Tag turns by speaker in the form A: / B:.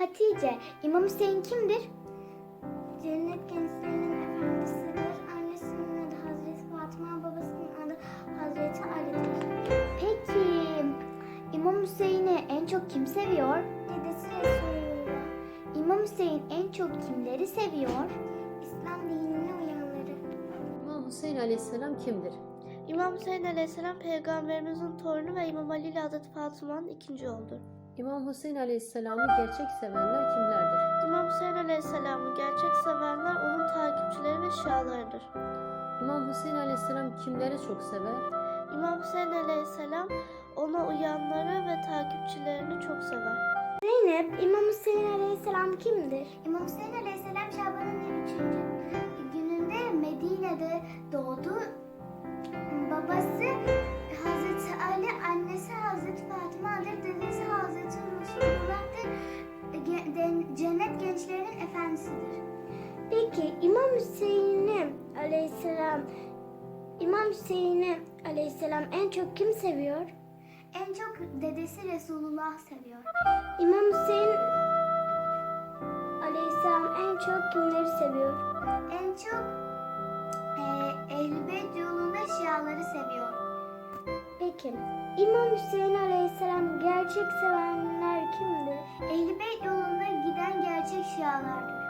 A: Hatice, İmam Hüseyin kimdir?
B: Cennet gençlerinin efendisidir. Annesinin adı Hazreti Fatıma, babasının adı Hazreti Ali'dir.
A: Peki, İmam Hüseyin'i en çok kim seviyor?
B: Dedesi Resulullah.
A: İmam Hüseyin en çok kimleri seviyor?
B: İslam dinine uyanları.
C: İmam Hüseyin Aleyhisselam kimdir?
D: İmam Hüseyin Aleyhisselam peygamberimizin torunu ve İmam Ali ile Hazreti Fatıma'nın ikinci oğludur.
C: İmam Hüseyin Aleyhisselam'ı gerçek sevenler kimlerdir?
D: İmam Hüseyin Aleyhisselam'ı gerçek sevenler onun takipçileri ve şialarıdır.
C: İmam Hüseyin Aleyhisselam kimleri çok sever?
D: İmam Hüseyin Aleyhisselam ona uyanları ve takipçilerini çok sever.
A: Zeynep, İmam Hüseyin Aleyhisselam kimdir?
B: İmam Hüseyin Aleyhisselam Şaban'ın 3. gününde Medine'de doğdu. Babası Hazreti Ali, annesi Hazreti Fatıma'dır, dedesi Hazreti Resulullah'tır. Cennet gençlerinin efendisidir.
A: Peki, İmam Hüseyin'i Aleyhisselam en çok kim seviyor?
B: En çok dedesi Resulullah seviyor.
A: İmam Hüseyin Aleyhisselam en çok kimleri seviyor?
B: En çok Ehl-i Beyt yolunda Şiaları seviyor.
A: Peki, İmam Hüseyin Aleyhisselam gerçek sevenler kimdir?
B: Ehl-i Beyt yolunda giden gerçek Şialardır.